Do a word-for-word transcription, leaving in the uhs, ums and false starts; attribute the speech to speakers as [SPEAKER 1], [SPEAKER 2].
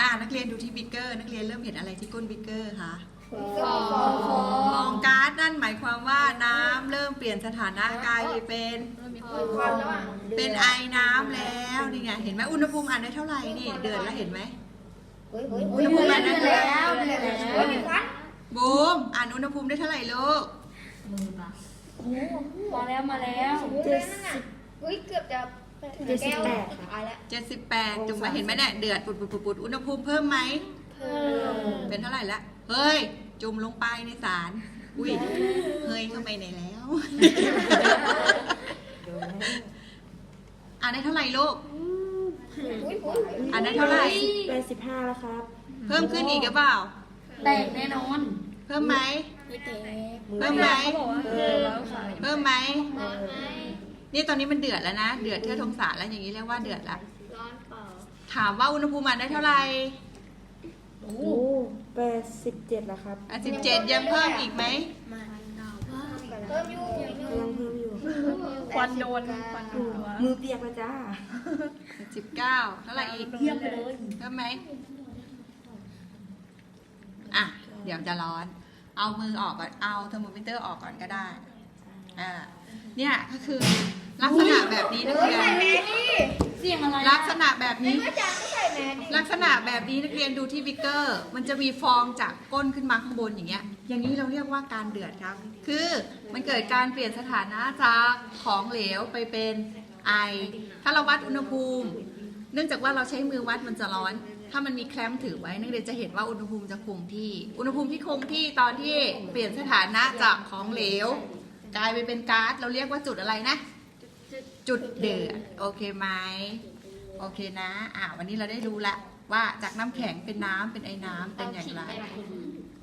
[SPEAKER 1] นักเรียนดูที่บิ๊กเกอร์นักเรียนเริ่มเห็นอะไรที่ก้นบิ๊กเกอร์คะฟ
[SPEAKER 2] ฟ
[SPEAKER 1] องก๊าซนั่นหมายความว่าน้ำเริ่มเปลี่ยนสถานะกลายเป็นเป็นไอน้ำแล้วนี่ไงเห็นไหมอุณหภูมิอ่านได้เท่าไหร่นี่เดือดแล้วเห็นไหมอุณหภูมิอ่านได้เท่าไหร่บูมอ่านอุณหภูมิได้เท่าไหร่ลูก
[SPEAKER 2] มาแล้วมาแล้วเจ็ดสิบเฮ้ยเกือบจะเจ็ดสิบแปดค่ะ
[SPEAKER 1] เจ็ดสิบแปดจุ่มมาเห็นไหมเนี่ยเดือดปุดปุดปุดปุดอุณหภูมิเพิ่มไหม
[SPEAKER 2] เพิ่ม
[SPEAKER 1] เป็นเท่าไหร่ละเฮ้ยจุ่มลงไปในสารอุ้ยเฮ้ยเข้าไปไหนแล้วอ่านได้เท่าไหร่ลูกอ่านได้เท่าไหร่
[SPEAKER 3] แปดสิบห้าแล้วครับ
[SPEAKER 1] เพิ่มขึ้นอีกหรือเปล่า
[SPEAKER 2] แตกแน่นอน
[SPEAKER 1] เพิ่มไหม
[SPEAKER 2] ไม่แตก
[SPEAKER 1] เพิ่มไหม
[SPEAKER 3] เออ
[SPEAKER 1] เพิ่มไหมนี่ตอนนี้มันเดือดแล้วนะเดือดเท่าทงสารแล้วอย่างนี้เรียกว่าเดือดแล้ว
[SPEAKER 2] ร้อนเปล่า
[SPEAKER 1] ถามว่าอุณหภูมิอ่านได้เท่าไหร่
[SPEAKER 3] โอ้แปดสิบเจ็ดแล้วครับ
[SPEAKER 1] อ่ะสิบเจ็ดยังเพิ่มอีกไหม
[SPEAKER 2] เพิ่มอยู่
[SPEAKER 3] กำลังเพิ่มอยู่
[SPEAKER 2] ควันโดนควัน
[SPEAKER 3] อืมมือเปียกแล้วจ้า
[SPEAKER 1] สิบเก้าเท่าไหร่อีก
[SPEAKER 3] เทียบเลย
[SPEAKER 1] เพิ่มไหมอ่ะเดี๋ยวจะร้อน เอามือออกก่อนเอาเทอร์โมมิเตอร์ออกก่อนก็ได้อ่าเนี่ยก็คือลักษณะแบบนี้นักเรียน
[SPEAKER 2] เสียงอะไร
[SPEAKER 1] ลักษณะแบบนี้
[SPEAKER 2] อาจารย์ก็ใส่แมสดิ
[SPEAKER 1] ลักษณะแบบนี้นักเรียนดูที่บิ๊กเกอร์มันจะมีฟองจากก้นขึ้นมาข้างบนอย่างเงี้ยอย่างนี้เราเรียกว่าการเดือดครับคือมันเกิดการเปลี่ยนสถานะจากของเหลวไปเป็นไอถ้าเราวัดอุณหภูมิ เนื่องจากว่าเราใช้มือวัดมันจะร้อน ถ้ามันมีแคลมถือไว้นักเรียนจะเห็นว่าอุณหภูมิจะคงที่ อุณหภูมิที่คงที่ตอนที่เปลี่ยนสถานะจากของเหลว กลายไปเป็นก๊าซเราเรียกว่าจุดอะไรนะ จุดเดือดโอเคไหมโอเคนะอ่าวันนี้เราได้รู้ละว่าจากน้ำแข็งเป็นน้ำเป็นไอน้ำเป็นอย่างไร